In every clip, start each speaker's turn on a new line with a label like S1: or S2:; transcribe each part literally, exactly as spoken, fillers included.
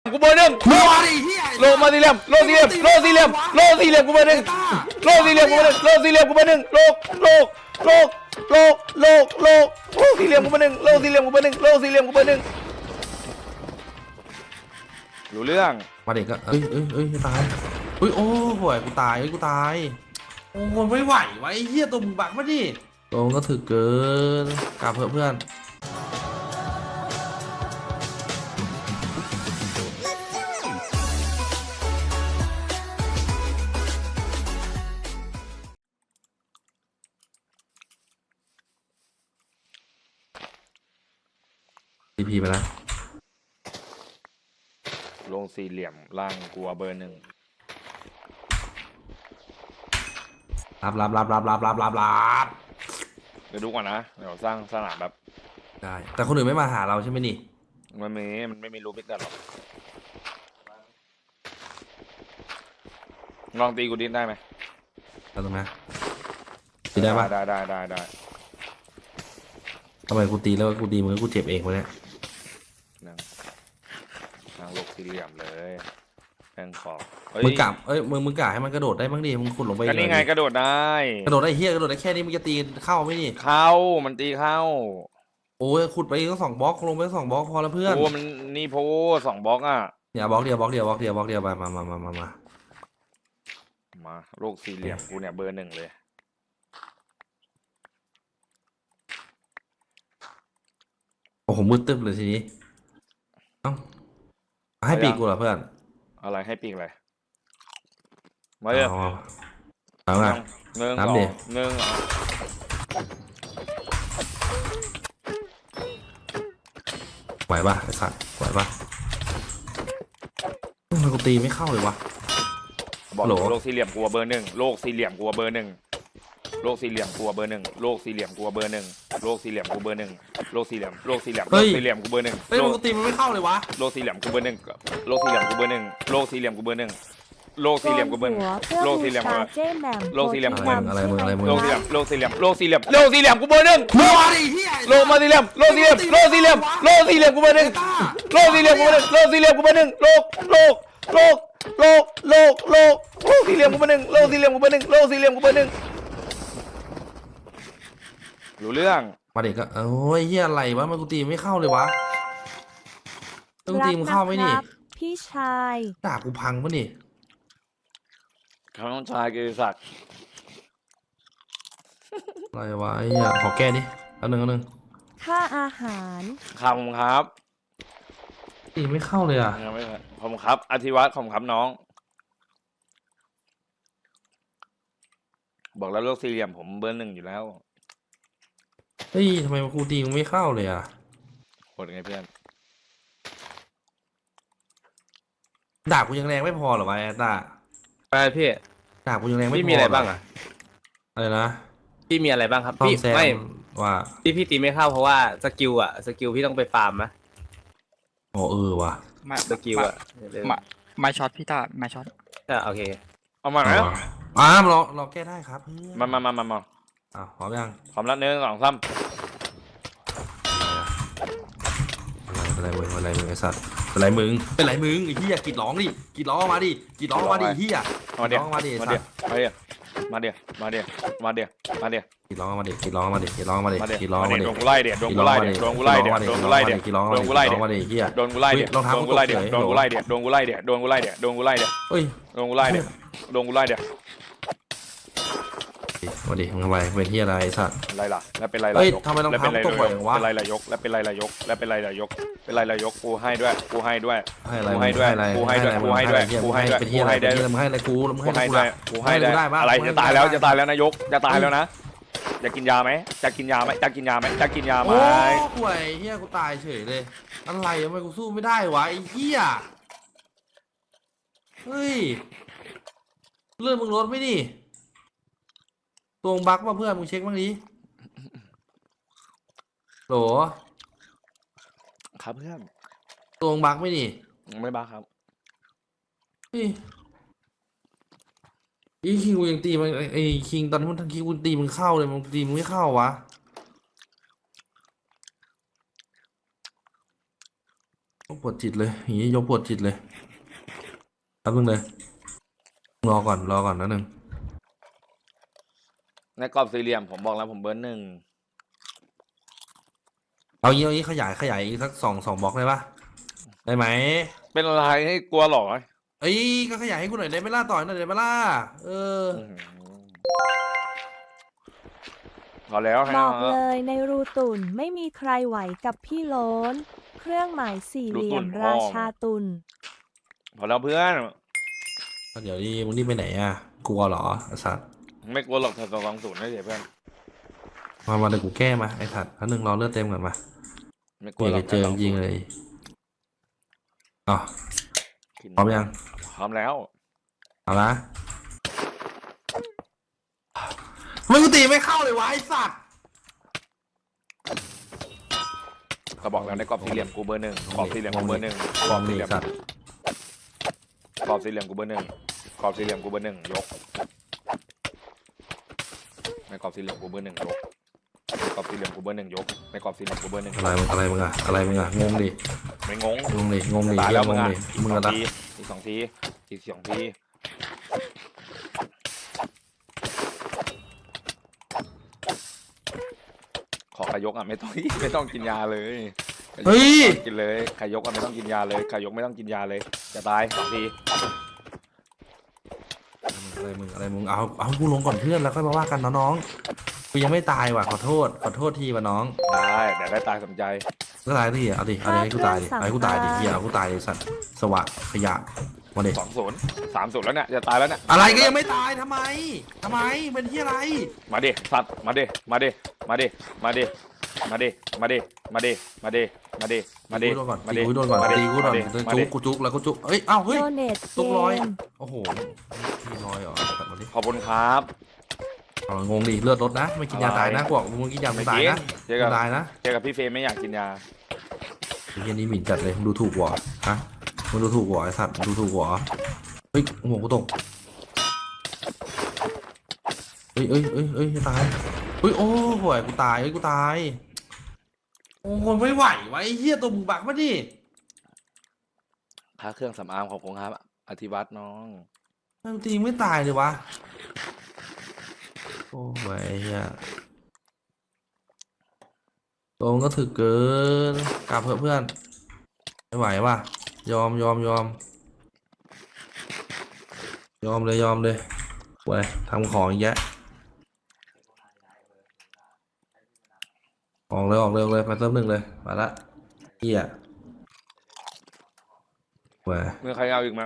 S1: กูเบอร์หนึ่งโลมาสี่เหลี่ยมโลสี่เหลี่ยมโลสี่เหลี่ยมโลสี่เหลี่ยมกูเบอร์หนึ่งโลสี่เหลี่ยมกูเบอร์หนึ่งโลสี่เหลี่ยมกูเบอร์หนึ่งโลโลโลโลโลโลโลสี่เหลี่ยมกูเบอร์หนึ่งโลสี่เหลี่ยมกูเบอร์หนึ่งโลสี่เหลี่ยมกูเบอร์หนึ่งรู้เรื่อง
S2: มาเด็กก็เอ้ยเอ้ยเอ้ยตายเฮ้ยโอ้ห่วยกูตายเฮ้ยกูตายโอ้ยไม่ไหววะไอ้เหี้ยตัวมึงบักมาดิตัวก็ถึกเกินกลับเพื่อนเพื่อนทีพีไปแล้ว
S1: ลงสี่เหลี่ยมล่างกลัวเบอร์หนึ่ง
S2: รับรับรับรับรับรับรับรับ
S1: เดี๋ยวดูก่อนนะเดี๋ยวสร้างสนามแบบ
S2: ได้แต่คนอื่นไม่มาหาเราใช่ไหมนี่
S1: มันมีมันไม่มีรูปพิกเตอร์หรอกลองตีกูดินได้ไหม
S2: ได้ตรงไหมตีได้ปะ
S1: ได้ได้ได้ได้
S2: ทำไมกูตีแล้วกูตีมึงกูเจ็บเองวะเนี่ย
S1: นั่งนั่งลกสี่เหลี่ยมเลยแทงขอบ
S2: มึงกะเอ้ยมึงมึงกะให้มันกระโดดได้บ้างดิมึงขุดลงไป
S1: ก็นี่ไงกระโดดได้
S2: กระโดดได้เฮียกระโดดได้แค่นี้มึงจะตีเข้าไหมนี่
S1: เข้ามันตีเข้า
S2: โอ้ยขุดไปต้องสองบล็อกลงไปสองบล็อกพอแล้วเพื่อน
S1: โอ้มันนี่โพสองบล็อกอ่ะ
S2: อย่าบล็อกเดียวบล็อกเดียวบล็อกเดียวบล็อกเดียวไปมามามามามา
S1: มาโลกสี่เหลี่ยมกูเนี่ยเบอร์หนึ่งเลย
S2: โอ้โหมืดตึ๊บเลยทีนี้เอ้าให้ปีกกูเหรอเพื่อน
S1: อะไรให้ปีกอะไรมาเลย
S2: เอาไง
S1: เงินสองเงิน
S2: ไหวป่ะไอ้สัตว์ไหวป่ะทำไมกูตีไม่เข้าเลยวะ
S1: บอกโลกสี่เหลี่ยมกลัวเบอร์หนึ่งโลกสี่เหลี่ยมกลัวเบอร์หนึ่งโลกสี่เหลี่ยมกลัวเบอร์หนึ่งโลกสี่เหลี่ยมกลัวเบอร์หนึ่งโลกสี่เหลี่ยมกูเบอร์หนึ่งโลกสี่เหลี่ยมโลกสี่เหลี่ยมโลกสี่เหลี่ยมกูเบอร์หนึ่ง
S2: เฮ้ยกูตีมันไม่เข้าเลยวะ
S1: โลกสี่เหลี่ยมกูเบอร์หนึ่งโลกสี่เหลี่ยมกูเบอร์หนึ่งโลกสี่เหลี่ยมกูเบอร์หนึ่งโลกสี่เหลี่ยมกูเบอร์หนึ่งโลกสี่เหลี่ยมโลกสี่เหลี่ยม
S2: อะไรมึงอะไรมึง
S1: โลกสี่เหลี่ยมโลกสี่เหลี่ยมโลกสี่เหลี่ยมโลกสี่เหลี่ยมกูเบอร์หนึ่งโลมาสี่เหลี่ยมโลสี่เหลี่ยมโลสี่เหลี่ยมโลสี่เหลี่ยมกูเบอร์หนึ่งโลสี่เหลี่ยมกูเบอร์หนึ่งโลสี่เหลี่ยมกูเบอร์หนึ่งโลกโลกโลกโลกโลกโลกโลสี่เหลี่ยมกูเบอร์หนึ่งโลสี่เหลี่ยมกูเบอร์หนึ่งโลสี่เหลี่ยมกูเบอร์หนึ่งรู้เรื่อง
S2: มาเด็กก็โอ้ยเฮียอะไรวะมันกูตีไม่เข้าเลยวะต้องตีมันเข้าไหมนี่
S3: พี่ชาย
S2: ด่ากูพังปะนี่
S1: เขาต้องชายกิติศักดิ์
S2: อะไรวะไอ้เหี้ยขอแก้ดิอันหนึ่งอันหนึ่ง
S3: ค่าอาหาร
S1: ขอบคุณครับ
S2: ตีไม่เข้าเลยอ่ะ
S1: ไม่ขอบคุณครับอธิวัตรขอบคุณครับน้องบอกแล้วโลกสี่เหลี่ยมผมเบอร์หนึ่งอยู่แล้ว
S2: เฮ้ยทำไมครูตีมึงไม่เข้าเลยอ่ะ
S1: โหดไงเพื่อน
S2: ด่ากูยังแรงไม่พอหรอวะแอตตา
S4: ไปพี่
S2: ด่ากูยังแรงไม่พอ
S4: พี่มีอะไรบ้างอ่ะ
S2: อะไรนะ
S4: พี่มีอะไรบ้างครับพี่ไม่
S2: ว่า
S4: พี่พี่ตีไม่เข้าเพราะว่าสกิลอ่ะสกิลพี่ต้องไปฟาร์มนะ
S2: โอ้เออว่ะ
S4: สกิลอ่ะ
S5: มาไม่ช็อตพี่ตาไม่ช็อต
S4: อ่ะโอเค
S1: เอามาแล้ว
S2: อ่าเราเราแก้ได้ครับ
S1: มามามามามา
S2: อ่ะพร้อมยัง
S1: พร้อมแล้วหนึ่งสองสาม
S2: อะไรมึงอะไรมึงไอ้สัตว์อะไรมึงเป็นไรมึงไอ้เหี้ยกีดร้องดิกีดร้องมาดิกีดร้องมาดิเหี้ย
S1: มาเดี๋ยวมาเดี๋ยวมาเดี๋ยวมาเดี๋ยวมาเดี๋ยวมาเดี๋ยวมาเดี๋ยว
S2: กีดร้องมาดิกีดร้องมาดิกีดร้องมาดิกีดร้องมาดิ
S1: โดนกูไล่เดี๋ยวโดนกูไล่เดี๋ยวโดนกูไล่เดี๋ยวโดนกูไล่เดี๋ยว
S2: กีดร้อง
S1: โดนกูไล่เดี๋ยว
S2: เหี้ย
S1: โดนกูไล่เดี๋ยวโดนกูไล่เดี๋ยวโดนกูไล่เดี๋ยวโดนกูไล่เดี๋ยวโดนกูไล่เดี๋ยวโดนกูไล่เดี๋ยว
S2: เฮ้ย
S1: โดนกูไล่เดี๋ยวโดนกูไล่เดี๋ยว
S2: มาดิมึงทำไมเป็นที่อะไรสัตว์
S1: อะไรล่ะแล้วเป็นไรล่ะยก
S2: ทำไมต้องทำตัวบ่อยวะ
S1: เป็นไรล่ะยกแล้วเป็นไรล่ะยกแล้วเป็นไรล่ะยกเป็นไรล่ะยกกูให้ด้วยกูให้ด้วย
S2: กูให้ด้วย
S1: กูให้ด้วยกูให้ด้วยกูให้ด้วย
S2: กูให้ด้วยมึงให้อะไรกูมึงให้
S1: ด้วยกูให้ด้วยอะไรจะตายแล้วจะตายแล้วนายกจะตายแล้วนะจะกินยาไหมจะกินยาไหมจะกินยาไหมจะกินยาไหม
S2: โอ้ห่วยเฮียกูตายเฉยเลยอะไรทำไมกูสู้ไม่ได้วะไอ้เฮียเฮ้ยเลื่อนมึงลดไหมนี่ตัวบั๊กมาเพื่อนมึงเช็คบ้างดิโหล
S1: ครับเพื่อน
S2: ตัวบั๊กไหมนี่
S1: ไม่บั๊กครับ
S2: นี่ไอ้คิงกูยังตีมันไอ้คิงตอนที่มันทังคิงกูตีมึงเข้าเลยมึงตีมึงไม่เข้าวะ ตปวดจิตเลยอย่างนี้ยกปวดจิตเลยแป๊บนึงเลยรอก่อนรอก่อนนะหนึ่ง
S1: ในกรอบสี่เหลี่ยมผมบอกแล้วผมเบอร์หนึ่ง
S2: เอางี้เอางี้ขยายขยายอีกสักสองสองบล็อกได้ปะได้ไหม
S1: เป็นอะไรให้กลัวหรอ
S2: เอ้ยก็ขยายให้กูหน่อยได้ไหมล่ะต่อยหน่อยได้ไหมล่ะเออ
S1: อื้อหือพอแล้วให้
S3: บอก
S1: เอา
S3: เลยในรูตุ่นไม่มีใครไหวกับพี่โล้น เครื่องหมายสี่เหลี่ยมราชาตุน
S1: พอแล้วเพื่อน
S2: เดี๋ยวนี้มึงนี่ไปไหนอ่ะกลัวเหรอไอ้สัตว์
S1: ไม่กลัวหรอกถ้าสองศูนย์ได้เดี๋ยวเพื่อน
S2: มามาเดี๋ยวกูแก้มาไอ้สัตว์แล้วหนึ่งรอเลือดเต็มก่อนมา
S1: ไม่ก
S2: กู
S1: ลัว
S2: อยา
S1: หร
S2: ก
S1: อก
S2: จะเจอยิงเลยอ๋อพร้อมยัง
S1: พร้อมแล้ว
S2: เอาละทำไมกูตีไม่เข้าเลยวะไอ้สัตว์
S1: ก็บอกแล้วในกรอบสี่เหลี่ยมกูเบอร์หนึ่งกรอบสี่เหลี่ยมกูเบอร์หนึ่งกรอบสี่เหลี่ยม
S2: สัตว์
S1: กรอบสี่เหลี่ยมกูเบอร์หนึ่งกรอบสี่เหลี่ยมกูเบอร์หนึ่งยกในกรอบสี่เหลี่ยมกูเบอร์หนึ่งยกในกรอบสี่เหลี่ยมกูเบอร์หนึ่งยกในกรอบสี่เหลี่ยมกูเบอร์หนึ่ง
S2: อะไรมึงอะไรมึงอะอะไรมึงอะงงดิ
S1: ไม่งง
S2: งงดิงงดิ
S1: ตายแล้วมึง
S2: ง
S1: อ่ะ
S2: ดิ
S1: อีก
S2: มึง
S1: สอ
S2: อะ
S1: ง
S2: ไร
S1: ทีอีกสองทีอีกสองทีขอขยกอ่ะไม่ต้อง ไม่ต้องกินยาเลย
S2: เฮ้ย
S1: กินเลยขยกอ่ะไม่ต้องกินยาเลยขยกไม่ต้องกินยาเลยจะตายสองที
S2: อะไรมึงอะไรมึงเอาเอากูลงก่อนเพื่อนแล้วค่อยมาว่ากันนะน้องกูยังไม่ตายว่ะขอโทษขอโทษทีว่ะน้อง
S1: ได้แต่ได้ตายสมใจ
S2: ก็ตายดิเอาดิเอาดิให้กูตายดิเอาให้กูตายดิเฮียเอากูตายดิสัตว์สวะขยะมาดิ
S1: สองศูนย์สามศูนย์แล้วเนี่ยจะตายแล้วเนี่ย
S2: อะไรก็ยังไม่ตายทำไมทำไมเป็นที่อะไร
S1: มาดิสัตว์มาดิมาดิมาดิมาดิมาดิมาดิมาดิมาดิมาดิมาดิ
S2: ตีกูโดนก่อน
S1: มา
S2: ตี
S1: ดิ
S2: กูโดนก่อน
S1: มาดิ
S2: ตีกูโดน
S1: มาดิ
S2: จุกกูจุกแล้วกูจุกเอ้ยเอ้าเฮ้ย
S3: โดเนตเก
S2: ตุกร้อย
S3: ม
S2: โอ้โหมีรอยเหรอตัดมาดิ
S1: ขอบคุณครับ
S2: เอางงดิเลือดลดนะไม่กินยาตายนะกูบอกมึงกินยามึงตายนะ
S1: เจอ
S2: มึ
S1: กับ
S2: งตายนะ
S1: เจอกับพี่เฟรมไม่อยากกินยา
S2: ไอ้เฮียนี่หมิ่นจัดเลยมึงดูถูกหัวฮะมึงดูถูกหัวไอ้สัตว์มึงดูถูกหัวเฮ้ยหัวกูตกเอ้ยเอ้ยเอ้ยเอ้ยจะตายเฮ้ยโอ้โหยกูตายเอ้ยกูตายโอ้ยไม่ไหววะไอ้เหี้ยตัวมึงบักมาดิ
S1: ค่าเครื่องสำอางของผมครับอธิวัตรน้อง
S2: ทำไมตีไม่ตายเลยวะโอ้ยไอ้เหี้ยตัวมึงก็ถึกเกินกลับเพื่อนเพื่อนไม่ไหวว่ะยอมยอมยอมยอมเลยยอมเลยเว้ยทำของอีกแยะออกเลยออกเลยออกเลยไปเติมหนึ่งเลยมาละเหี้ยเว้ย
S1: มีใครเอาอีกไหม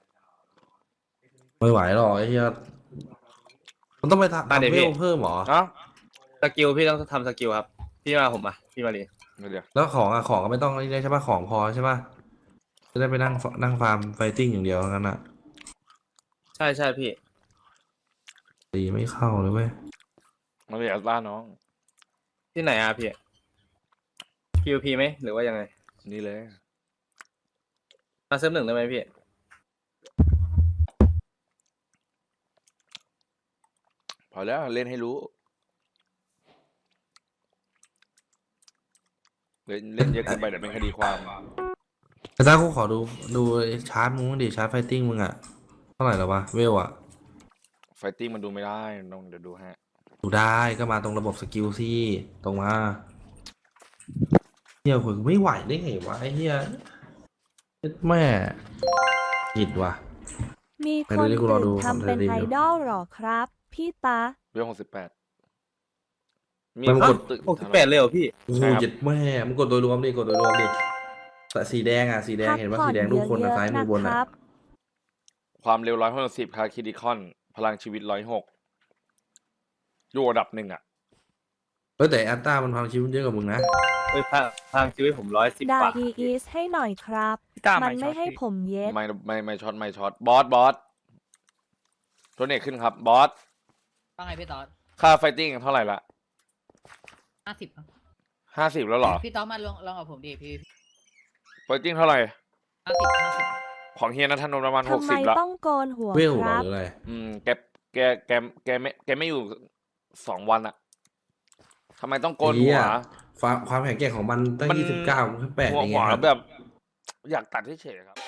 S2: ไม่ไหวหรอกไอ้เหี้ยมันต้องไปทำ
S4: อ่ะเดี๋ยว
S2: เว
S4: พี่
S2: ลเพิ่มเหรอ
S1: เอ้า
S4: สกิลพี่ต้องทำสกิลครับ พี่มาผมอ่ะพี่มาเลย
S1: เดี๋ยว
S2: แล้วของอะของก็ไม่ต้องนี่ได้ใช่ป่ะของพอใช่ป่ะจะได้ไปนั่งฟนั่งฟาร์มไฟติ้งอย่างเดียวงั้นอะ
S4: ใช่ใช่พี่
S2: ตีไม่เข้าเลยเว้ย
S1: มาเลยอัลต้าน้อง
S4: ที่ไหนอ่ะพี่ พี วี พี ไหมหรือว่ายังไง
S1: นี่เลย
S4: มาเซิร์ฟหนึ่งได้ไหมพี่
S1: พอแล้วเล่นให้รู้เล่นเล่นเยอะเกินไปเดี๋ยวเป็นคดีความ
S2: แต่ถ้ากูขอดูดูชาร์จมึงบ้างดิชาร์จไฟติ้งมึงอะเท่าไหร่แล้ววะเวลอะ
S1: ไฟติ้งมันดูไม่ได้น้องเดี๋ยวดูฮะ
S2: ดูได้ก็มาตรงระบบสกิลสิตรงมาเฮียคุยไม่ไหวได้ไงวะไอ้เฮียแม่ผิดว่ะ
S3: มี
S2: ไป
S3: คน
S2: ดูดิกูรอดู
S3: ตื่นทำเป็น
S2: ผมจะรีวิว
S3: ไอดอลหรอครับ พี่ตา
S1: เรื่องหกสิบแปดมี
S2: มัน
S1: ค
S2: ก
S1: น
S2: ด
S1: ตื่น
S4: หกสิบแปดเลยเหรอพี่
S2: โอ้โหเจ็ดแม่มึงกดโดยรวมดิกดโดยรวมดิแต่สีแดงอะสีแดง
S3: พัก
S2: เห็นว่า
S3: ผ่อน
S2: สีแดงรูปคน
S3: เย
S2: อะ
S3: อะ
S2: ซ้าย
S3: ๆ
S2: มื
S3: นะ
S2: อบน
S3: ค
S2: อะ
S3: รับ
S1: ความเร็วร้อยหกสิบคาคิดิคอน พลังชีวิตร้อยหกอยู่อันดับหนึ่งอ่ะ
S2: เฮ้ยแต่แอตตามันพังชีวิตเยอะกว่ามึงนะ
S4: เฮ้ยพางทางชีวิตผมร้อยสิบ
S3: ด่าก
S4: ว่า
S3: อีอีสให้หน่อยครับ
S5: พี่ต้า
S3: มัน
S5: ไม่ช็
S3: ไม่
S5: อต
S3: ให้
S5: พี่
S3: ผมเย็ด
S1: ไม่ไม่ไม่ช็อตไม่ช็อตบอสบอสโทเนตขึ้นครับบอส
S6: ว่าไงพี่ต๊อด
S1: ค่าไฟติ้งเท่าไหร่ละ
S6: ห้าสิบ
S1: ห้าสิบแล้วเหรอ
S6: พี่ต๊อดมาลองลองกับผมดิพี่
S1: ไฟติ้งเท่าไหร่
S6: ห้าสิบห้าสิบ
S1: ของเฮียนัทนนท์ประมาณห
S3: ทำ
S1: ก
S3: ไม
S1: สิบละ
S3: ต้องโกนหัว
S2: เวล
S3: ค
S2: เหรอ
S3: รับ
S2: หรืออะไร
S1: อืมแกแกแกแกไม่แกไม่อยู่สองวันอะทำไมต้องโกน
S2: เหี้
S1: หั
S2: ยว ความความแข็งแกร่งของมันตั้ง
S1: มัน
S2: ยี่สิบเก้าแปลก
S1: หัว
S2: ยัง
S1: หั
S2: ไง
S1: ว
S2: ครับ
S1: แบบ
S7: อยากตัดเฉยๆครับ